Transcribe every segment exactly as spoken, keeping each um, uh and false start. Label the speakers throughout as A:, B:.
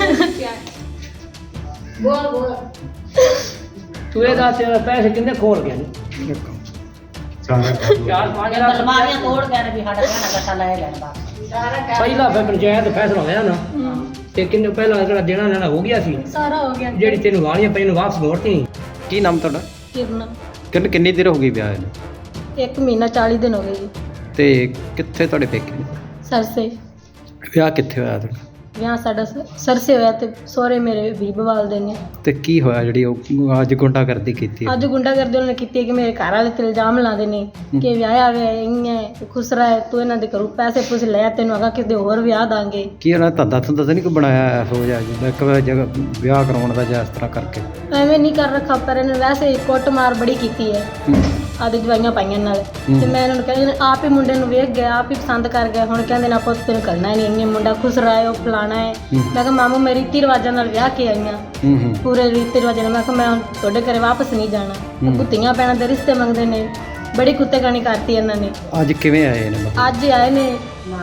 A: बोल बोल
B: तू ये दस पैसे कितने खोल गए चार पाँच लाख
A: अलमारियां तोड़ गए ने भी साडा कहना गट्टा ले गए बस
B: ਪਹਿਲਾ ਫਿਰ ਪੰਚਾਇਤ ਫੈਸਲਾ ਹੋਇਆ ਨਾ ਤੇ ਕਿੰਨੇ ਪਹਿਲਾਂ ਜਿਹੜਾ ਦੇਣਾ ਲੈਣਾ ਹੋ ਗਿਆ ਸੀ
C: ਸਾਰਾ ਹੋ ਗਿਆ
B: ਜਿਹੜੀ ਤੈਨੂੰ ਵਾਲੀਆਂ ਪਈਆਂ ਨੂੰ ਵਾਪਸ ਮੋੜਤੀ
D: ਕੀ ਨਾਮ ਤੁਹਾਡਾ
C: ਕਿਰਨ
D: ਕਿੰਨ ਕਿੰਨੀ ਦੇਰ ਹੋ ਗਈ ਵਿਆਹ ਨੂੰ
C: ਇੱਕ ਮਹੀਨਾ ਚਾਲੀ ਦਿਨ ਹੋ ਗਏ ਜੀ
D: ਤੇ ਕਿੱਥੇ ਤੁਹਾਡੇ ਪੇਕੇ ਨੇ?
C: ਸਰਸੇ
D: ਵਿਆਹ ਕਿੱਥੇ ਹੋਇਆ ਤੁਹਾਡਾ
C: ਵਿਆਹ ਸਾਡਾ ਸ- ਸਰਸੇ ਹੋਇਆ ਤੇ ਸਹੁਰੇ ਮੇਰੇ ਵੀ ਬਵਾਲ ਦੇ ਨੇ
D: ਤੇ ਕੀ ਹੋਇਆ ਜਿਹੜੀ ਉਹ ਅੱਜ ਗੁੰਡਾਗਰਦੀ ਕੀਤੀ
C: ਅੱਜ ਗੁੰਡਾਗਰਦੀ ਉਹਨਾਂ ਨੇ ਕੀਤੀ ਹੈ ਕਿ ਮੇਰੇ ਘਰ ਵਾਲੇ ਤੇ ਇਲਜ਼ਾਮ ਲਾਉਂਦੇ ਨੇ ਕਿ ਵਿਆਹਿਆ ਵੇ ਇੰਨੇ ਖੁਸਰਾ ਹੈ ਤੂੰ ਇਹਨਾਂ ਦੇ ਘਰੋਂ ਪੈਸੇ ਪੂਸੇ ਲੈ ਤੈਨੂੰ ਅਗਾ ਕਿਤੇ ਹੋਰ ਵਿਆਹ ਦਾਂਗੇ
D: ਕੀ ਉਹਨਾਂ ਧੰਦਾ ਧੰਦਾ ਤਾਂ ਨਹੀਂ ਕੋਈ ਬਣਾਇਆ ਇਹੋ ਜਿਹਾ ਜਿੱਦਾਂ ਇੱਕ ਵਾਰ ਜਗ੍ਹਾ ਵਿਆਹ ਕਰਾਉਣ ਦਾ ਜਾਂ ਇਸ ਤਰ੍ਹਾਂ ਕਰਕੇ
C: ਐਵੇਂ ਨਹੀਂ ਕਰ ਰੱਖਾ ਪਰ ਇਹਨੇ ਵੈਸੇ ਕੁੱਟ ਮਾਰ ਬੜੀ ਕੀਤੀ ਹੈ ਆਦੇ ਜਵਾਈਆਂ ਪਾਈਆਂ ਨਾਲ ਤੇ ਮੈਂ ਇਹਨਾਂ ਨੂੰ ਕਹਿੰਦੀ ਆਪ ਹੀ ਮੁੰਡੇ ਨੂੰ ਵੇਖ ਗਿਆ ਆਪ ਹੀ ਪਸੰਦ ਕਰ ਗਿਆ ਹੁਣ ਕਹਿੰਦੇ ਨਾ ਪੁੱਤ ਤੈਨੂੰ ਕਰਨਾ ਨਹੀਂ ਇੰਨੇ ਮੁੰਡਾ ਖੁਸਰਾ ਹੈ ਉਹ ਫਲਾਣਾ ਹੈ ਮੈਂ ਕਿਹਾ ਮਾਮੂ ਮੇਰੀ ਰੀਤੀ ਰਿਵਾਜਾਂ ਨਾਲ ਵਿਆਹ ਕੇ ਆਈਆਂ
D: ਹੂੰ ਹੂੰ
C: ਪੂਰੇ ਰੀਤੀ ਰਿਵਾਜਾਂ ਨਾਲ ਮੈਂ ਕਿਹਾ ਮੈਂ ਹੁਣ ਤੁਹਾਡੇ ਘਰੇ ਵਾਪਸ ਨਹੀਂ ਜਾਣਾ ਕੁੱਤੀਆਂ ਪੈਣਾ ਦੇ ਰਿਸ਼ਤੇ ਮੰਗਦੇ ਨੇ ਬੜੀ ਕੁੱਤੇਗਾਨੀ ਕਰਤੀ ਇਹਨਾਂ ਨੇ
D: ਅੱਜ ਕਿਵੇਂ ਆਏ ਨੇ ਮਤਲਬ
C: ਅੱਜ ਹੀ ਆਏ ਨੇ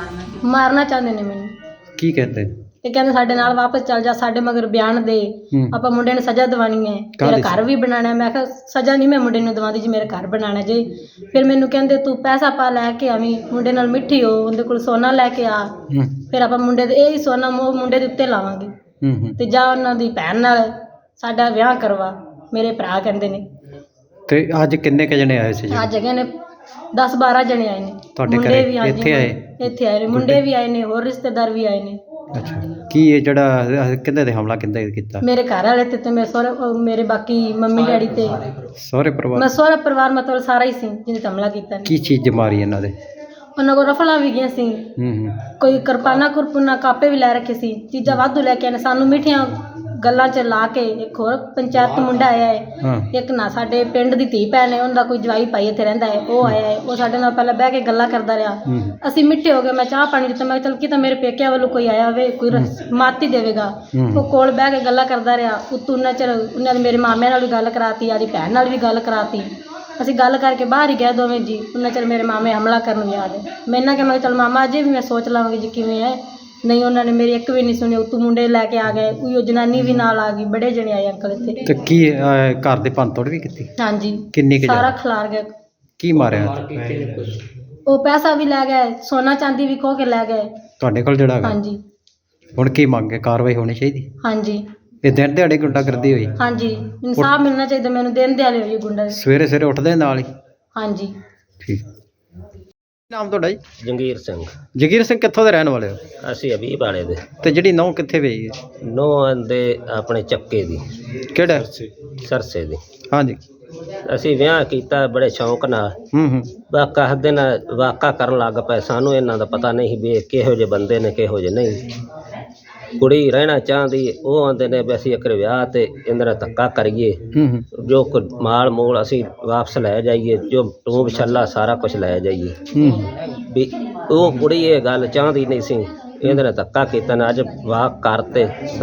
C: ਮਾਰਨਾ ਚਾਹੁੰਦੇ ਨੇ ਮੈਨੂੰ
D: ਕੀ ਕਹਿੰਦੇ
C: ਤੇ ਕਹਿੰਦੇ ਸਾਡੇ ਨਾਲ ਵਾਪਸ ਚੱਲ ਜਾ ਸਾਡੇ ਮਗਰ ਬਿਆਨ ਦੇ
D: ਹੂੰ
C: ਆਪਾਂ ਮੁੰਡੇ ਨੂੰ ਸਜ਼ਾ ਦਿਵਾਣੀ ਹੈ ਮੇਰਾ ਘਰ ਵੀ ਬਣਾਉਣਾ ਹੈ। ਮੈਂ ਕਿਹਾ ਸਜ਼ਾ ਨਹੀਂ ਮੈਂ ਮੁੰਡੇ ਨੂੰ ਦਵਾਉਂਦੀ ਜੀ ਮੇਰਾ ਘਰ ਬਣਾਉਣਾ ਜੇ ਫਿਰ ਮੈਨੂੰ ਕਹਿੰਦੇ ਤੂੰ ਪੈਸਾ ਪਾ ਲੈ ਕੇ ਆਵੀਂ ਮੁੰਡੇ ਨਾਲ ਮਿੱਠੀ ਹੋ ਉਹਦੇ ਕੋਲ ਸੋਨਾ ਲੈ ਕੇ ਆ
D: ਹੂੰ
C: ਫਿਰ ਆਪਾਂ ਮੁੰਡੇ ਦੇ ਇਹ ਹੀ ਸੋਨਾ ਮੋ ਮੁੰਡੇ ਦੇ ਉੱਤੇ ਲਾਵਾਂਗੇ
D: ਹੂੰ ਹੂੰ
C: ਤੇ ਜਾ ਉਹਨਾਂ ਦੀ ਭੈਣ ਨਾਲ ਸਾਡਾ ਵਿਆਹ ਕਰਵਾ ਮੇਰੇ ਭਰਾ ਕਹਿੰਦੇ ਨੇ
D: ਤੇ ਅੱਜ ਕਿੰਨੇ ਕ ਜਣੇ ਆਏ ਸੀ ਜੀ?
C: ਅੱਜ ਹੈਗੇ ਨੇ ਦਸ ਬਾਰਾਂ ਜਣੇ ਆਏ ਨੇ
D: ਤੁਹਾਡੇ
C: ਮੁੰਡੇ
D: ਘਰੇ?
C: ਵੀ ਹਾਂਜੀ,
D: ਇੱਥੇ ਆਏ?
C: ਇੱਥੇ ਆਏ ਨੇ ਮੁੰਡੇ ਵੀ ਆਏ ਨੇ ਹੋਰ ਰਿਸ਼ਤੇਦਾਰ ਵੀ ਆਏ ਨੇ
D: ਅੱਛਾ ਕੀ ਇਹ ਜਿਹੜਾ ਕਿੰਨੇ ਤੇ ਹਮਲਾ ਕਿੰਨੇ ਕੀਤਾ
C: ਮੇਰੇ ਘਰ ਵਾਲੇ ਤੇ ਤੇ ਮੇਰੇ ਸਹੁਰੇ ਅਹ ਮੇਰੇ ਬਾਕੀ ਮੰਮੀ ਡੈਡੀ ਤੇ
D: ਸਹੁਰੇ ਪਰਿਵਾਰ
C: ਮੈਂ ਸਹੁਰਾ ਪਰਿਵਾਰ ਮਤਲਬ ਸਾਰਾ ਹੀ ਸੀ ਜਿਹਨੇ ਤੇ ਹਮਲਾ ਕੀਤਾ ਨੇ
D: ਕੀ ਚੀਜ਼ ਮਾਰੀ ਇਹਨਾਂ ਦੇ?
C: ਉਹਨਾਂ ਕੋਲ ਰਫਲਾਂ ਵੀ ਗਈਆਂ ਸੀ
D: ਹੂੰ ਹੂੰ
C: ਕੋਈ ਕਿਰਪਾਨਾ ਕੁਰਪੁਨਾ ਕਾਪੇ ਵੀ ਲੈ ਰੱਖੇ ਸੀ ਚੀਜ਼ਾਂ ਵਾਧੂ ਲੈ ਕੇ ਆਏ ਨੇ ਸਾਨੂੰ ਮਿੱਠੀਆਂ ਗੱਲਾਂ 'ਚ ਲਾ ਕੇ ਇੱਕ ਹੋਰ ਪੰਚਾਇਤ ਤੋਂ ਮੁੰਡਾ ਆਇਆ ਹੈ
D: ਹਾਂ
C: ਇੱਕ ਨਾ ਸਾਡੇ ਪਿੰਡ ਦੀ ਧੀ ਭੈਣ ਹੈ ਉਹਦਾ ਕੋਈ ਜਵਾਈ ਭਾਈ ਇੱਥੇ ਰਹਿੰਦਾ ਹੈ ਉਹ ਆਇਆ ਹੈ ਉਹ ਸਾਡੇ ਨਾਲ ਪਹਿਲਾਂ ਬਹਿ ਕੇ ਗੱਲਾਂ ਕਰਦਾ ਰਿਹਾ
D: ਹੂੰ ਹੂੰ
C: ਅਸੀਂ ਮਿੱਠੇ ਹੋ ਗਏ ਮੈਂ ਚਾਹ ਪਾਣੀ ਦਿੱਤਾ ਮੈਂ ਕਿਹਾ ਚੱਲ ਕੀ ਤਾਂ ਮੇਰੇ ਪੇਕਿਆਂ ਵੱਲੋਂ ਕੋਈ ਆਇਆ ਹੋਵੇ ਕੋਈ ਰਸ- ਮਾਤ ਹੀ ਦੇਵੇਗਾ
D: ਹੂੰ।
C: ਉਹ ਕੋਲ ਬਹਿ ਕੇ ਗੱਲਾਂ ਕਰਦਾ ਰਿਹਾ ਉਤੋਂ ਉਹਨਾਂ ਚਿਰ ਉਹਨਾਂ ਨੇ ਮੇਰੇ ਮਾਮੇ ਨਾਲ ਵੀ ਗੱਲ ਕਰਾਤੀ ਆਦੀ ਭੈਣ ਨਾਲ ਵੀ ਗੱਲ ਕਰਾਤੀ ਅਸੀਂ ਗੱਲ ਕਰਕੇ ਬਾਹਰ ਹੀ ਗਏ ਦੋਵੇਂ ਜੀ ਉਹਨਾਂ ਚਿਰ ਮੇਰੇ ਮਾਮੇ ਹਮਲਾ ਕਰਨ ਨੂੰ ਯਾਦ ਹੈ ਮੈਂ ਇਹਨਾਂ ਕਿਹਾ ਮੈਂ ਕਿਹਾ ਚੱਲ ਮਾਮਾ ਅਜੇ ਵੀ ਮੈਂ ਸੋਚ ਲਵਾਂਗੀ ਜੀ ਕਿਵੇਂ ਹੈ ਨਹੀਂ ਉਹਨਾਂ ਨੇ ਮੇਰੀ ਇੱਕ ਵੀ ਨਹੀਂ ਸੁਣੀ ਉਤੋਂ ਮੁੰਡੇ ਲੈ ਕੇ ਆ ਗਏ ਕੋਈ ਉਹ ਜਨਾਨੀ ਵੀ ਨਾਲ ਆ ਗਈ ਬੜੇ ਜਣੇ ਆਏ ਅੰਕਲ ਇੱਥੇ
D: ਤੇ ਕੀ ਅਹ, ਘਰ ਦੇ ਭੰਨ ਤੋੜ ਵੀ ਕੀਤੀ?
C: ਹਾਂਜੀ
D: ਕਿੰਨੀ ਕੁ
C: ਸਾਰਾ
D: ਜ਼ਿਆਦਾ?
C: ਖਿਲਾਰ ਗਿਆ
D: ਕੀ ਮਾਰਿਆ
C: ਉਹ ਪੈਸਾ ਵੀ ਲੈ ਗਏ ਸੋਨਾ ਚਾਂਦੀ ਵੀ ਖੋਹ ਕੇ ਲੈ ਗਏ
D: ਤੁਹਾਡੇ ਕੋਲ ਜਿਹੜਾ ਹੈਗਾ?
C: ਹਾਂਜੀ
D: ਹੁਣ ਕੀ ਮੰਗੇ ਕਾਰਵਾਈ ਹੋਣੀ ਚਾਹੀਦੀ?
C: ਹਾਂਜੀ
D: ਇਹ ਦਿਨ ਦਿਹਾੜੇ ਗੁੰਡਾਗਰਦੀ ਹੋਈ
C: ਹਾਂਜੀ ਇਨਸਾਫ ਮਿਲਣਾ ਚਾਹੀਦਾ ਮੈਨੂੰ ਦਿਨ ਦਿਹਾੜੇ ਹੋਈ ਗੁੰਡਾ ਦੇ।
D: ਸਵੇਰੇ ਸਵੇਰੇ ਉੱਠਦੇ ਨਾਲ ਹੀ?
C: ਹਾਂਜੀ
D: ਠੀਕ ਕੀ ਨਾਮ ਤੁਹਾਡਾ ਜੀ?
E: ਜੰਗੀਰ ਸਿੰਘ
D: ਜਗੀਰ ਸਿੰਘ ਕਿੱਥੋਂ ਦੇ ਰਹਿਣ ਵਾਲੇ ਹੋ?
E: ਅਸੀਂ ਅਬੀ ਵਾਲੇ ਦੇ
D: ਤੇ ਜਿਹੜੀ ਨਹੁੰ ਕਿੱਥੇ ਵੇਈ ਹੈ?
E: ਨੋਹਾਂ ਦੇ ਆਪਣੇ ਚੱਕੇ ਦੀ
D: ਕਿਹੜਾ?
E: ਸਰਸੇ ਦੀ
D: ਹਾਂਜੀ
E: ਅਸੀਂ ਵਿਆਹ ਕੀਤਾ ਬੜੇ ਸ਼ੌਂਕ ਨਾਲ
D: ਹੂੰ ਹੂੰ
E: ਵਾਕਾ ਹੱਦੇ ਨਾਲ ਵਾਕਾ ਕਰਨ ਲੱਗ ਪਏ ਸਾਨੂੰ ਇਹਨਾਂ ਦਾ ਪਤਾ ਨਹੀਂ ਵੀ ਇਹ ਕਿਹੋ ਜਿਹੇ ਬੰਦੇ ਨੇ ਕਿਹੋ ਜਿਹੇ ਨਹੀਂ ਕੁੜੀ ਰਹਿਣਾ ਚਾਹੁੰਦੀ ਉਹ ਆਂਦੇ ਨੇ ਵੀ ਅਸੀਂ ਇੱਕ ਵਿਆਹ ਤੇ ਇਹਨਾਂ ਦਾ ਧੱਕਾ ਕਰੀਏ
D: ਹੂੰ ਹੂੰ
E: ਜੋ ਕੁ ਮਾਲ ਮੂਲ ਅਸੀਂ ਵਾਪਸ ਲੈ ਜਾਈਏ ਜੋ ਟੂਬ ਛੱਲਾ ਸਾਰਾ ਕੁਝ ਲੈ ਜਾਈਏ
D: ਹੂੰ
E: ਵੀ ਉਹ ਕੁੜੀ ਇਹ ਗੱਲ ਚਾਹੁੰਦੀ ਨਹੀਂ ਸੀ ਇਹਦੇ ਨਾਲ ਧੱਕਾ ਕੀਤਾ ਨੇ ਅੱਜ ਵਾਕ ਕਰਤੇ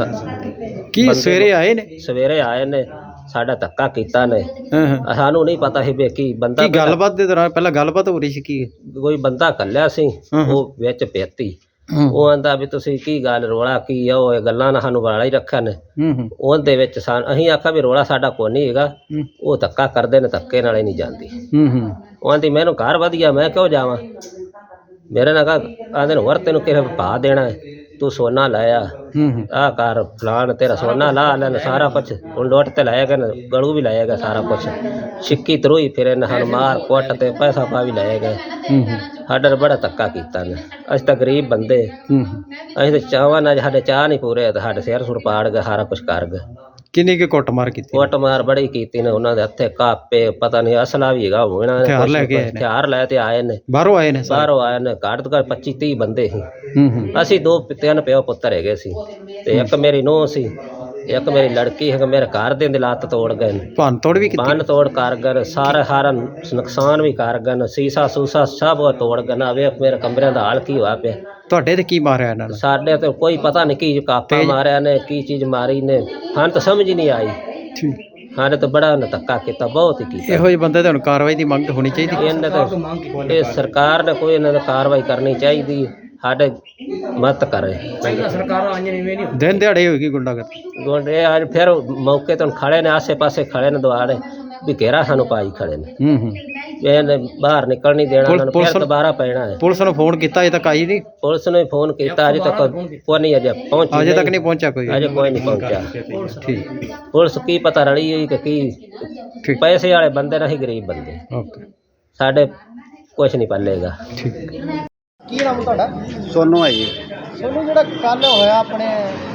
E: ਸ-
D: ਕੀ ਸਵੇਰੇ ਆਏ ਨੇ?
E: ਸਵੇਰੇ ਆਏ ਨੇ ਸਾਡਾ ਧੱਕਾ ਕੀਤਾ ਨੇ
D: ਹਾਂ ਹਾਂ
E: ਸਾਨੂੰ ਨਹੀਂ ਪਤਾ ਸੀ ਵੀ ਕੀ ਬੰਦਾ
D: ਕੀ ਗੱਲਬਾਤ ਦੇ ਦੌਰਾਨ ਪਹਿਲਾਂ ਗੱਲਬਾਤ ਹੋ ਰਹੀ ਸੀ ਕੀ?
E: ਕੋਈ ਬੰਦਾ ਕੱਲਿਆ ਸੀ
D: ਹਾਂ।
E: ਉਹ ਵਿੱਚ ਪੇਤੀ
D: ਹੂੰ
E: ਉਹ ਆਂਦਾ ਵੀ ਤੁਸੀਂ ਕੀ ਗੱਲ ਰੋਲਾ ਕੀ ਆ ਉਹ ਇਹ ਗੱਲਾਂ ਨਾਲ ਸਾਨੂੰ ਵਾਲਾ ਹੀ ਰੱਖਿਆ ਨੇ
D: ਹੂੰ ਹੂੰ
E: ਉਹਦੇ ਵਿੱਚ ਸਾਨੂੰ ਅਸੀਂ ਆਖਿਆ ਵੀ ਰੋਲਾ ਸਾਡਾ ਕੋਈ ਨਹੀਂ ਹੈਗਾ
D: ਹੂੰ
E: ਉਹ ਧੱਕਾ ਕਰਦੇ ਨੇ ਧੱਕੇ ਨਾਲ ਹੀ ਨਹੀਂ ਜਾਂਦੀ
D: ਹੂੰ ਹੂੰ
E: ਉਹ ਆਂਦੀ ਮੈਨੂੰ ਘਰ ਵਧੀਆ ਮੈਂ ਕਿਉਂ ਜਾਵਾਂ ਮੇਰੇ ਨਾਲ ਕਹਾ ਆਂਦੇ ਨੇ ਹੋਰ ਤੈਨੂੰ ਕਿਹੜਾ ਭਾ ਦੇਣਾ ਹੈ? ਤੂੰ ਸੋਨਾ ਲਾਇਆ
D: ਹੂੰ ਹੂੰ
E: ਆਹ ਕਰ ਫਲਾਣ ਤੇਰਾ ਸੋਨਾ ਲਾ ਲੈਣ ਸਾਰਾ ਕੁਛ ਹੁਣ ਲੋਟ ਤੇ ਲਾਏਗਾ ਨਾ ਗਲੂ ਵੀ ਲਾਏਗਾ ਸਾਰਾ ਕੁਛ ਸਿੱਕੀ ਤਰੋਈ ਫਿਰ ਇਹਨਾਂ ਸਾਨੂੰ ਮਾਰ ਕੁੱਟ ਤੇ ਪੈਸਾ ਪਾ ਵੀ ਲਾਏਗਾ
D: ਹੂੰ ਹੂੰ
E: ਸਾਡਾ ਤਾਂ ਬੜਾ ਧੱਕਾ ਕੀਤਾ ਨੇ ਅਸੀਂ ਤਾਂ ਗਰੀਬ ਬੰਦੇ
D: ਹੂੰ ਹੂੰ
E: ਅਸੀਂ ਤਾਂ ਚਾਹਵਾਂ ਨਾਲ ਸਾਡੇ ਚਾਹ ਨਹੀਂ ਪੂਰੇ ਤੇ ਸਾਡੇ ਸਿਰ ਸੁਰ ਪਾੜ ਗਏ ਸਾਰਾ ਕੁਛ ਕਰ ਗਏ
D: ਕਿੰਨੀ ਕੁ ਕੁੱਟਮਾਰ ਕੀਤੀ?
E: ਕੁੱਟ ਮਾਰ ਬੜੀ ਕੀਤੀ ਨੇ ਉਹਨਾਂ ਦੇ ਹੱਥੇ ਕਾਪੇ ਪਤਾ ਨਹੀਂ ਅਸਲਾ ਵੀ ਹੈਗਾ ਹੋਣਾ
D: ਹਥਿਆਰ ਲੈ ਕੇ ਆਏ ਨੇ?
E: ਹਥਿਆਰ ਲੈ ਤੇ ਆਏ ਨੇ
D: ਬਾਹਰੋਂ ਆਏ ਨੇ ਸਾਰੇ?
E: ਬਾਹਰੋਂ ਆਏ ਨੇ ਘੱਟ ਤੋਂ ਘੱਟ ਪੱਚੀ ਤੀਹ ਬੰਦੇ ਸੀ
D: ਹੂੰ ਹੂੰ
E: ਅਸੀਂ ਦੋ ਤਿੰਨ ਪਿਓ ਪੁੱਤਰ ਹੈਗੇ ਸੀ ਤੇ ਇੱਕ ਮੇਰੀ ਨੂੰਹ ਸੀ ਇੱਕ ਮੇਰੀ ਲੜਕੀ ਹੈ ਮੇਰੇ ਘਰ ਦੇ ਦੇ ਲੱਤ ਤੋੜ ਗਏ ਨੇ
D: ਭੰਨ ਤੋੜ ਵੀ ਕੀਤੀ?
E: ਬੰਨ ਤੋੜ ਕਰ ਗਏ ਸਾਰਾ ਹਾਰਾ ਨੁਕਸਾਨ ਵੀ ਕਰ ਗਏ ਨੇ ਸੀਸਾ ਸੂਸਾ ਸਭ ਉਹ ਤੋੜ ਗਏ ਨਾ ਵੇਖ ਮੇਰੇ ਕਮਰਿਆਂ ਦਾ ਹਾਲ ਕੀ ਹੋਇਆ ਪਿਆ
D: ਤੁਹਾਡੇ ਤੇ ਕੀ ਮਾਰਿਆ ਇਹਨਾਂ ਨੇ?
E: ਸਾਡੇ ਤੇ ਕੋਈ ਪਤਾ ਨਹੀਂ ਕੀ ਕਾਪਾ ਮਾਰਿਆ ਨੇ ਕੀ ਚੀਜ਼ ਮਾਰੀ ਨੇ ਹਾਂ ਤਾਂ ਸਮਝ ਹੀ ਨਹੀਂ ਆਈ
D: ਠੀਕ
E: ਸਾਡੇ ਤਾਂ ਬੜਾ ਉਹਨੇ ਧੱਕਾ ਕੀਤਾ ਬਹੁਤ ਹੀ ਕੀਤਾ
D: ਇਹੋ ਜਿਹੇ ਬੰਦੇ ਤੇ ਹੁਣ ਕਾਰਵਾਈ ਦੀ ਮੰਗ ਹੋਣੀ ਚਾਹੀਦੀ?
E: ਇਹਨਾਂ ਤਾਂ ਇਹ ਸਰਕਾਰ ਨੇ ਕੋਈ ਇਹਨਾਂ ਦਾ ਕਾਰਵਾਈ ਕਰਨੀ ਚਾਹੀਦੀ ਸਾਡੇ ਮਤ ਕਰੇ।
B: ਪਹਿਲਾਂ ਸਰਕਾਰਾਂ ਆਈਆਂ ਨਹੀਂ ਨਹੀਂ
D: ਦਿਨ ਦਿਹਾੜੇ ਹੋਏਗੀ ਗੁੰਡਾਗਰਦੀ।
E: ਗੋਡੇ ਅੱਜ ਫਿਰ ਮੌਕੇ ਤੋਂ ਖੜੇ ਨੇ, ਆਸੇ ਪਾਸੇ ਖੜੇ ਨੇ ਦੁਆਰੇ ਵੀ ਘੇਰਾ ਸਾਨੂੰ ਪਾਈ ਖੜੇ ਨੇ।
D: ਹੂੰ ਹੂੰ
E: ਇਹਨੇ ਬਾਹਰ ਨਿਕਲ ਨਹੀਂ ਦੇਣਾ, ਉਹਨਾਂ ਨੂੰ
D: ਪੁਲਿਸ-
E: ਫਿਰ ਦੁਬਾਰਾ ਪੈਣਾ ਹੈ।
D: ਪੁਲਿਸ ਨੂੰ ਫੋਨ ਕੀਤਾ ਅਜੇ ਤੱਕ ਆਈ ਨਹੀਂ।
E: ਪੁਲਿਸ ਨੇ ਫੋਨ ਕੀਤਾ, ਅਜੇ ਤੱਕ ਕੋਈ ਨਹੀਂ ਅਜੇ ਪਹੁੰਚੀ
D: ਅਜੇ ਤੱਕ ਨਹੀਂ ਪਹੁੰਚਿਆ ਕੋਈ।
E: ਅਜੇ ਕੋਈ ਨਹੀਂ ਪਹੁੰਚਿਆ।
D: ਠੀਕ
E: ਪੁਲਿਸ ਕੀ ਪਤਾ ਰਲੀ ਹੋਈ ਕਿ ਕੀ
D: ਠੀਕ
E: ਪੈਸੇ ਵਾਲੇ ਬੰਦੇ ਨਹੀਂ, ਗਰੀਬ ਬੰਦੇ
D: ਓਕੇ
E: ਸਾਡੇ ਕੁਛ ਨਹੀਂ ਪੱਲੇਗਾ।
D: ਠੀਕ।
F: ਕੀ ਨਾਮ ਤੁਹਾਡਾ?
D: ਸੋਨੂੰ ਹੈ ਜੀ।
F: ਸੋਨੂੰ, ਜਿਹੜਾ ਕੱਲ ਹੋਇਆ ਆਪਣੇ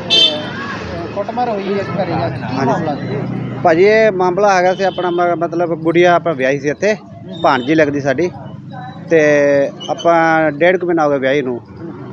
F: ਅਹ, ਕੁੱਟਮਾਰ ਹੋਈ ਹੈ ਘਰੇ ਜਾ ਕੇ, ਕੀ ਮਾਮਲਾ ਸੀ?
D: ਭਾਜੀ ਇਹ ਮਾਮਲਾ ਹੈਗਾ ਸੀ ਆਪਣਾ ਮ- ਮਤਲਬ ਗੁੜੀਆ ਆਪਾਂ ਵਿਆਹੀ ਸੀ ਇੱਥੇ, ਭਾਣਜੀ ਲੱਗਦੀ ਸਾਡੀ, ਤੇ ਆਪਾਂ ਡੇਢ ਕੁ ਮਹੀਨਾ ਹੋ ਗਿਆ ਵਿਆਹੀ ਨੂੰ।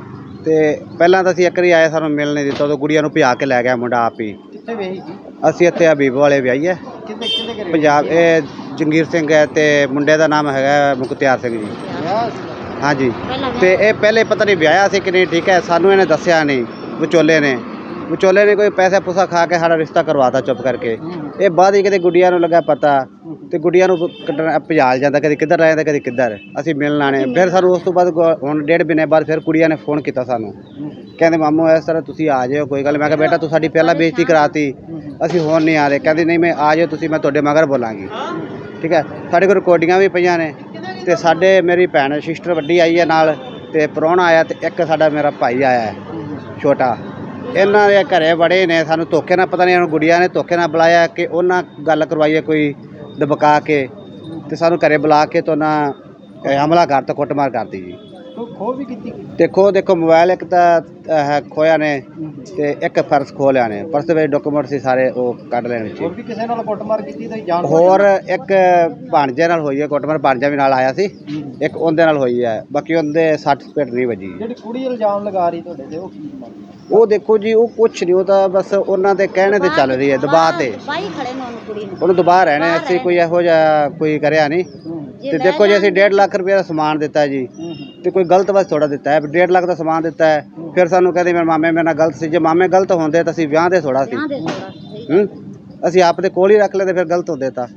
D: ਤੇ ਪਹਿਲਾਂ ਤਾਂ ਅਸੀਂ ਇੱਕ ਵਾਰੀ ਆਏ, ਸਾਨੂੰ ਮਿਲ ਨਹੀਂ ਦਿੱਤਾ, ਉਦੋਂ ਗੁੜੀਆ ਨੂੰ ਭਜਾ ਕੇ ਲੈ ਗਿਆ ਮੁੰਡਾ ਆਪ ਹੀ।
F: ਕਿੱਥੇ ਵੇਹੀ ਸੀ?
D: ਅਸੀਂ ਇੱਥੇ ਹਬੀਬ ਵਾਲੇ ਵਿਆਹੀ ਹੈ
F: ਕਿੰਨੇ ਕਿੰਨੇ ਘਰੇ
D: ਪੰਜਾਬ। ਇਹ ਜੰਗੀਰ ਸਿੰਘ ਹੈ ਤੇ ਮੁੰਡੇ ਦਾ ਨਾਮ ਹੈਗਾ ਮੁਖਤਿਆਰ ਸਿੰਘ ਜੀ।
F: ਵਿਆਹ ਸੀ?
D: ਹਾਂਜੀ। ਤੇ ਇਹ ਪਹਿਲੇ ਪਤਾ ਨਹੀਂ ਵਿਆਹਿਆ ਸੀ ਕਿ ਨਹੀਂ, ਠੀਕ ਹੈ, ਸਾਨੂੰ ਇਹਨੇ ਦੱਸਿਆ ਨਹੀਂ। ਵਿਚੋਲੇ ਨੇ ਵਿਚੋਲੇ ਨੇ ਕੋਈ ਪੈਸਾ ਪੂਸਾ ਖਾ ਕੇ ਸਾਡਾ ਰਿਸ਼ਤਾ ਕਰਵਾਤਾ ਚੁੱਪ ਕਰਕੇ। ਇਹ ਬਾਅਦ ਹੀ ਕਿਤੇ ਗੁੱਡੀਆਂ ਨੂੰ ਲੱਗਾ ਪਤਾ, ਤੇ ਗੁੱਡੀਆਂ ਨੂੰ ਕੱਢਣ ਭਜਾਲ ਜਾਂਦਾ, ਕਦੇ ਕਿੱਧਰ ਰਹਿ ਜਾਂਦਾ ਕਦੇ ਕਿੱਧਰ। ਅਸੀਂ ਮਿਲਣ ਆਣੇ, ਫਿਰ ਸਾਨੂੰ ਉਸ ਤੋਂ ਬਾਅਦ ਗੁ- ਹੁਣ ਡੇਢ ਮਹੀਨੇ ਬਾਅਦ ਫਿਰ ਕੁੜੀਆਂ ਨੇ ਫੋਨ ਕੀਤਾ ਸਾਨੂੰ, ਕਹਿੰਦੇ ਮਾਮੂ ਇਸ ਤਰ੍ਹਾਂ ਤੁਸੀਂ ਆ ਜਾਇਓ, ਕੋਈ ਗੱਲ। ਮੈਂ ਕਿਹਾ ਬੇਟਾ ਤੂੰ ਸਾਡੀ ਪਹਿਲਾਂ ਬੇਇੱਜ਼ਤੀ ਕਰਾਤੀ, ਅਸੀਂ ਹੁਣ ਨਹੀਂ ਆ ਰਹੇ। ਕਹਿੰਦੀ ਨਹੀਂ ਮੈਂ ਆ ਜਾਇਓ ਤੁਸੀਂ, ਮੈਂ ਤੁਹਾਡੇ ਮਗਰ ਬੋਲਾਂਗੀ। ਠੀਕ ਹੈ, ਸਾਡੇ ਕੋਲ ਰਿਕਾਰਡਿੰਗਾਂ ਵੀ ਪਈਆਂ ਨੇ। ਤੇ ਸਾਡੇ ਮੇਰੀ ਭੈਣ ਸਿਸਟਰ ਵੱਡੀ ਆਈ ਹੈ ਨਾਲ, ਤੇ ਪ੍ਰਾਹੁਣਾ ਆਇਆ, ਤੇ ਇੱਕ ਸਾਡਾ ਮੇਰਾ ਭਾਈ ਆਇਆ ਹੈ ਛੋਟਾ। ਇਹਨਾਂ ਦੇ ਘਰੇ ਬੜੇ ਨੇ, ਸਾਨੂੰ ਧੋਖੇ ਨਾਲ, ਪਤਾ ਨਹੀਂ ਇਹਨੂੰ ਗੁੜੀਆਂ ਨੇ ਧੋਖੇ ਨਾਲ ਬੁਲਾਇਆ ਕਿ ਉਹਨਾਂ ਗੱਲ ਕਰਵਾਈਏ ਕੋਈ ਦਬਕਾ ਕੇ, ਤੇ ਸਾਨੂੰ ਘਰੇ ਬੁਲਾ ਕੇ ਤੋਂ ਨਾ ਹਮਲਾ ਕਰਤਾ, ਕੁੱਟਮਾਰ ਕਰਤੀ ਜੀ।
F: ਕੋਈ ਖੋਹ ਵੀ ਕੀਤੀ?
D: ਦੇਖੋ ਦੇਖੋ ਮੋਬਾਈਲ ਇੱਕ ਤਾਂ ਹੈ ਖੋਇਆ ਨੇ, ਤੇ ਇੱਕ ਪਰਸ ਖੋਹ ਲਿਆ ਨੇ। ਪਰਸ ਦੇ ਵਿੱਚ ਡਾਕੂਮੈਂਟ ਸੀ ਸਾਰੇ, ਉਹ ਕੱਢ ਲੈਣ ਵਿੱਚ।
F: ਹੋਰ ਵੀ ਕਿਸੇ ਨਾਲ ਕੁੱਟਮਾਰ ਕੀਤੀ ਤੁਸੀਂ ਜਾਣ?
D: ਹੋਰ ਇੱਕ ਭਾਣਜੇ ਨਾਲ ਹੋਈ ਹੈ ਕੁੱਟਮਾਰ, ਭਾਣਜਾ ਵੀ ਨਾਲ ਆਇਆ ਸੀ, ਇੱਕ ਉਹਦੇ ਨਾਲ ਹੋਈ ਹੈ। ਬਾਕੀ ਉਹਦੇ ਸੱਟ ਫੇਟ ਨਹੀਂ ਵੱਜੀ।
F: ਜਿਹੜੀ ਕੁੜੀ ਇਲਜ਼ਾਮ ਲਗਾ ਰਹੀ ਤੁਹਾਡੇ ਤੇ, ਉਹ ਕੀ ਮਾਮਲਾ?
D: ਉਹ ਦੇਖੋ ਜੀ, ਉਹ ਕੁਛ ਨਹੀਂ, ਉਹ ਤਾਂ ਬਸ ਉਹਨਾਂ ਦੇ ਕਹਿਣੇ ਤੇ ਚੱਲ ਰਹੀ ਹੈ, ਦਬਾਅ ਤੇ।
C: ਬਾਈ ਖੜੇ ਨੇ ਉਹਨੂੰ ਕੁੜੀ ਨੂੰ
D: ਉਹਨੂੰ ਦਬਾਅ ਰਹਿਣੇ, ਅਸੀਂ ਕੋਈ ਇਹੋ ਜਿਹਾ ਕੋਈ ਕਰਿਆ ਨਹੀਂ। ਤੇ ਦੇਖੋ ਜੀ, ਅਸੀਂ ਡੇਢ ਲੱਖ ਰੁਪਏ ਦਾ ਸਮਾਨ ਦਿੱਤਾ ਜੀ, ਤੇ ਕੋਈ ਗਲਤ ਬਸ ਥੋੜਾ ਦਿੱਤਾ ਹੈ। ਡੇਢ ਲੱਖ ਦਾ ਸਮਾਨ ਦਿੱਤਾ ਹੈ, ਫਿਰ ਸਾਨੂੰ ਕਹਿੰਦੇ ਮੇਰੇ ਮਾਮੇ ਮੇਰੇ ਨਾਲ ਗਲਤ ਸੀ। ਜੇ ਮਾਮੇ ਗਲਤ ਹੁੰਦੇ ਤਾਂ ਅਸੀਂ ਵਿਆਹ ਦੇ ਥੋੜਾ ਸੀ। ਹੂੰ, ਅਸੀਂ ਆਪ ਦੇ ਕੋਲ ਹੀ ਰੱਖ ਲੈਂਦੇ, ਫਿਰ ਗਲਤ ਹੁੰਦੇ ਤਾਂ।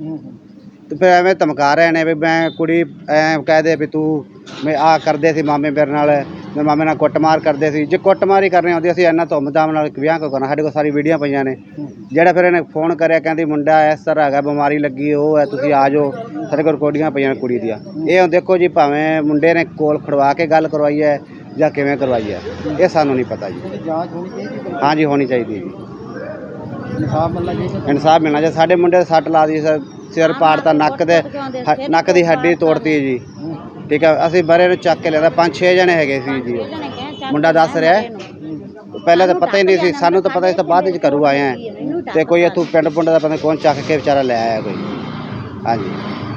D: ਤੇ ਫਿਰ ਐਵੇਂ ਧਮਕਾ ਰਹੇ ਨੇ ਵੀ ਮੈਂ ਕੁੜੀ ਐ ਕਹਿ ਦੇ ਵੀ ਤੂੰ ਮੈਂ ਆਹ ਕਰਦੇ ਸੀ ਮਾਮੇ ਮੇਰੇ ਨਾਲ, ਮੇਰੇ ਮਾਮੇ ਨਾਲ ਕੁੱਟਮਾਰ ਕਰਦੇ ਸੀ। ਜੇ ਕੁੱਟਮਾਰ ਹੀ ਕਰਨੀ ਹੁੰਦੀ ਅਸੀਂ ਇੰਨਾ ਧੁੰਮ-ਧਾਮ ਨਾਲ ਵਿਆਹ ਕਿਉਂ ਕਰਨਾ? ਸਾਡੇ ਕੋਲ ਸਾਰੀ ਵੀਡੀਓ ਪਈਆਂ ਨੇ। ਜਿਹੜਾ ਫਿਰ ਇਹਨੇ ਫੋਨ ਕਰਿਆ, ਕਹਿੰਦੀ ਮੁੰਡਾ ਇਸ ਤਰ੍ਹਾਂ ਹੈਗਾ, ਬਿਮਾਰੀ ਲੱਗੀ, ਉਹ ਹੈ, ਤੁਸੀਂ ਆ ਜਾਓ। ਸਾਡੇ ਕੋਲ ਰਿਕਾਰਡਿੰਗਾਂ ਪਈਆਂ ਨੇ ਕੁੜੀ ਦੀਆਂ। ਇਹ ਹੁਣ ਦੇਖੋ ਜੀ, ਭਾਵੇਂ ਮੁੰਡੇ ਨੇ ਕੋਲ ਖੜਵਾ ਕੇ ਗੱਲ ਕਰਵਾਈ ਹੈ ਜਾਂ ਕਿਵੇਂ ਕਰਵਾਈ ਹੈ, ਇਹ ਸਾਨੂੰ ਨਹੀਂ ਪਤਾ ਜੀ।
F: ਜਾਂਚ ਹੋਣੀ ਚਾਹੀਦੀ,
D: ਹਾਂਜੀ ਹੋਣੀ ਚਾਹੀਦੀ ਜੀ,
F: ਇਨਸਾਫ ਮਿਲਣਾ ਚਾਹੀਦਾ।
D: ਇਨਸਾਫ ਮਿਲਣਾ ਚਾਹੀਦਾ। ਸਾਡੇ ਮੁੰਡੇ ਦੇ ਸੱਟ ਲਾ ਦੀ, ਸਿਰ ਪਾੜਤਾ, ਨੱਕ ਦੇ ਹ- ਨੱਕ ਦੀ ਹੱਡੀ ਤੋੜਤੀ ਜੀ। ਠੀਕ ਹੈ, ਅਸੀਂ ਬਰੇ ਨੂੰ ਚੱਕ ਕੇ ਲਿਆਂਦਾ, ਪੰਜ ਛੇ ਜਣੇ ਹੈਗੇ ਸੀ ਜੀ। ਮੁੰਡਾ ਦੱਸ ਰਿਹਾ ਹੈ, ਪਹਿਲਾਂ ਤਾਂ ਪਤਾ ਹੀ ਨਹੀਂ ਸੀ ਸਾਨੂੰ, ਤਾਂ ਪਤਾ ਇਸ ਤੋਂ ਬਾਅਦ ਵਿੱਚ ਘਰੂ ਆਏ ਆ। ਤੇ ਕੋਈ ਇੱਥੋਂ ਪਿੰਡ ਪੁੰਡ ਦਾ ਪਤਾ ਨਹੀਂ ਕੌਣ ਚੱਕ ਕੇ ਵਿਚਾਰਾ ਲੈ ਆਇਆ ਕੋਈ। ਹਾਂਜੀ।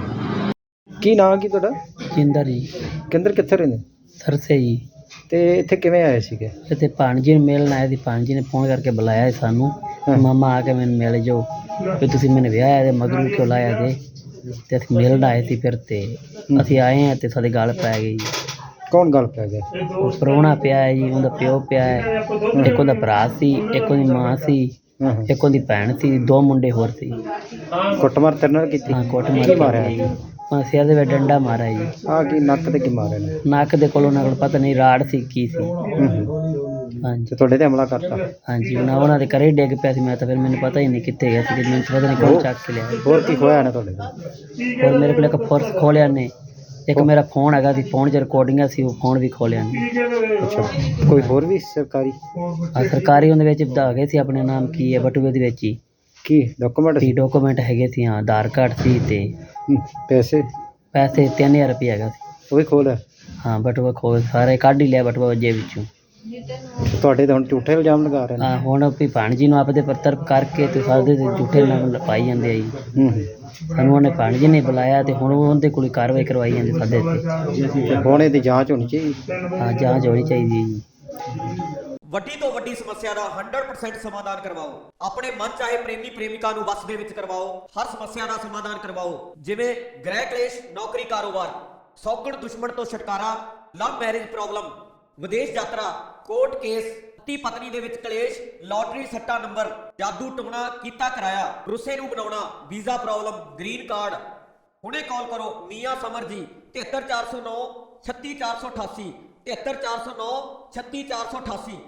F: ਕੀ ਨਾਮ ਕੀ ਤੁਹਾਡਾ?
B: ਜਿੰਦਰ ਜੀ,
F: ਕੇਂਦਰ ਕਿੱਥੇ ਰਹਿੰਦੇ?
B: ਸਰਸੇ ਜੀ।
F: ਤੇ ਇੱਥੇ ਕਿਵੇਂ ਆਏ ਸੀਗੇ?
B: ਇੱਥੇ ਭਾਣਜੀ ਨੂੰ ਮਿਲਣ ਆਏ ਸੀ। ਭਾਣਜੀ ਨੇ ਫੋਨ ਕਰਕੇ ਬੁਲਾਇਆ ਸੀ ਸਾਨੂੰ, ਮਾਮਾ ਆ ਕੇ ਮੈਨੂੰ ਮਿਲ ਜਾਓ, ਵੀ ਤੁਸੀਂ ਮੈਨੂੰ ਵਿਆਹਿਆ ਤੇ ਮਗਰੂ ਕਿਉਂ ਲਾਇਆ ਜੇ। ਤੇ ਅਸੀਂ ਮਿਲਣ ਆਏ ਸੀ, ਫਿਰ ਤੇ ਅਸੀਂ ਆਏ ਹਾਂ ਤੇ ਸਾਡੇ ਗੱਲ ਪੈ ਗਈ ਜੀ।
F: ਕੌਣ ਗੱਲ ਪੈ ਗਿਆ?
B: ਉਹ ਪ੍ਰਾਹੁਣਾ ਪਿਆ ਹੈ ਜੀ, ਉਹਦਾ ਪਿਓ ਪਿਆ ਹੈ, ਇੱਕ ਉਹਦਾ ਭਰਾ ਸੀ, ਇੱਕ ਉਹਦੀ ਮਾਂ ਸੀ, ਇੱਕ ਉਹਦੀ ਭੈਣ ਸੀ, ਦੋ ਮੁੰਡੇ ਹੋਰ ਸੀ।
F: ਕੁੱਟਮਾਰ ਤੇਰੇ ਨਾਲ ਕੀਤੀ?
B: ਹਾਂ, ਕੁੱਟ
F: ਕੀ ਮਾਰਿਆ?
B: ਜੀ, ਹਾਂ, ਸਿਰ ਦੇ ਵਿੱਚ ਡੰਡਾ ਮਾਰਿਆ ਜੀ।
F: ਆ ਕੀ ਨੱਕ ਤੇ ਕੀ ਮਾਰਿਆ ਨੇ?
B: ਨੱਕ ਦੇ ਕੋਲ ਉਹਨਾਂ ਕੋਲ ਪਤਾ ਨਹੀਂ ਰਾੜ ਸੀ ਕੀ ਸੀ। ਹਾਂਜੀ
F: ਤੇ ਤੁਹਾਡੇ ਤੇ ਹਮਲਾ ਕਰਤਾ?
B: ਹਾਂਜੀ, ਉਹਨਾਂ ਉਹਨਾਂ ਦੇ ਘਰੇ ਡਿੱਗ ਪਿਆ ਸੀ। ਮੈਂ ਤਾਂ ਫਿਰ ਮੈਨੂੰ ਪਤਾ ਹੀ ਨਹੀਂ ਕਿੱਥੇ ਗਿਆ ਸੀ, ਮੈਨੂੰ ਪਤਾ ਨਹੀਂ ਕੌਣ ਚੱਕ ਕੇ ਲਿਆ।
F: ਹੋਰ ਕੀ ਹੋਇਆ ਨਾ ਤੁਹਾਡੇ ਤੇ?
B: ਹੋਰ ਮੇਰੇ ਕੋਲ ਇੱਕ ਪਰਸ ਖੋਲਿਆ ਨੇ, ਇੱਕ ਮੇਰਾ ਫੋਨ ਹੈਗਾ ਸੀ, ਫੋਨ 'ਚ ਰਿਕਾਰਡਿੰਗਾਂ ਸੀ, ਉਹ ਫੋਨ ਵੀ ਖੋਲਿਆ ਨੇ।
F: ਅੱਛਾ, ਕੋਈ ਹੋਰ ਵੀ ਸਰਕਾਰੀ?
B: ਆ ਸਰਕਾਰੀ ਉਹਦੇ ਵਿੱਚ ਵਧਾ ਗਏ ਸੀ, ਆਪਣੇ ਨਾਮ ਕੀ ਹੈ, ਬਟੂਏ ਦੇ ਵਿੱਚ ਹੀ
F: ਕੀ ਡਾਕੂਮੈਂਟ
B: ਸੀ, ਡਾਕੂਮੈਂਟ ਹੈਗੇ ਸੀ। ਹਾਂ, ਆਧਾਰ ਕਾਰਡ ਸੀ ਤੇ
F: ਪੈਸੇ?
B: ਪੈਸੇ ਤਿੰਨ ਹਜ਼ਾਰ ਰੁਪਏ ਹੈਗਾ ਸੀ।
F: ਉਹ ਵੀ ਖੋਲਿਆ?
B: ਹਾਂ, ਬਟੂਆ ਖੋਲ ਸਾਰੇ ਕੱਢ ਹੀ ਲਿਆ, ਬਟੂਆ ਜੇਬ ਵਿੱਚੋਂ।
F: ਤੁਹਾਡੇ ਤਾਂ ਹੁਣ ਝੂਠੇ ਇਲਜ਼ਾਮ ਲਗਾ ਰਹੇ ਨੇ।
B: ਹਾਂ, ਹੁਣ ਵੀ ਭਾਣਜੀ ਨੂੰ ਆਪਦੇ ਪੱਤਰ ਕਰਕੇ ਤੇ ਸਾਡੇ ਤੇ ਝੂਠੇ ਨਾਮ ਪਾਈ ਜਾਂਦੇ ਆ ਜੀ।
F: ਹੂੰ ਹੂੰ।
B: ਸਾਨੂੰ ਉਹਨੇ ਭਾਣਜੀ ਨੇ ਬੁਲਾਇਆ ਤੇ ਹੁਣ ਉਹਦੇ ਕੋਲ ਕਾਰਵਾਈ ਕਰਵਾਈ ਜਾਂਦੀ ਸਾਡੇ ਤੇ।
F: ਤੇ ਹੁਣ ਇਹਦੀ ਜਾਂਚ ਹੋਣੀ ਚਾਹੀਦੀ।
B: ਹਾਂ, ਜਾਂਚ ਹੋਣੀ ਚਾਹੀਦੀ ਹੈ ਜੀ।
G: ਵੱਡੀ ਤੋਂ ਵੱਡੀ ਸਮੱਸਿਆ ਦਾ ਸੌ ਪਰਸੈਂਟ ਸਮਾਧਾਨ ਕਰਵਾਓ। ਆਪਣੇ ਮਨ ਚਾਹੇ ਪ੍ਰੇਮੀ ਪ੍ਰੇਮਿਕਾ ਨੂੰ ਵਸ ਦੇ ਵਿੱਚ ਕਰਵਾਓ। ਹਰ ਸਮੱਸਿਆ ਦਾ ਸਮਾਧਾਨ ਕਰਵਾਓ, ਜਿਵੇਂ ਗ੍ਰਹਿ ਕਲੇਸ਼, ਨੌਕਰੀ, ਕਾਰੋਬਾਰ, ਸੌਗਣ ਦੁਸ਼ਮਣ ਤੋਂ ਛੁਟਕਾਰਾ, ਲਵ ਮੈਰਿਜ ਪ੍ਰੋਬਲਮ, ਵਿਦੇਸ਼ ਯਾਤਰਾ, ਕੋਰਟ ਕੇਸ, ਪਤੀ ਪਤਨੀ ਦੇ ਵਿੱਚ ਕਲੇਸ਼, ਲਾਟਰੀ ਸੱਟਾ ਨੰਬਰ, ਜਾਦੂ ਟੋਣਾ ਕੀਤਾ ਕਰਾਇਆ, ਰੁੱਸੇ ਨੂੰ ਬਣਾਉਣਾ, ਵੀਜ਼ਾ ਪ੍ਰੋਬਲਮ, ਗ੍ਰੀਨ ਕਾਰਡ। ਹੁਣੇ ਕਾਲ ਕਰੋ ਮੀਆਂ ਸਮਰ ਜੀ, ਤਿਹੱਤਰ ਚਾਰ ਸੌ ਨੌ ਛੱਤੀ ਚਾਰ ਸੌ ਅਠਾਸੀ, ਤਿਹੱਤਰ ਚਾਰ ਸੌ ਨੌ, ਛੱਤੀ ਚਾਰ ਸੌ ਅਠਾਸੀ।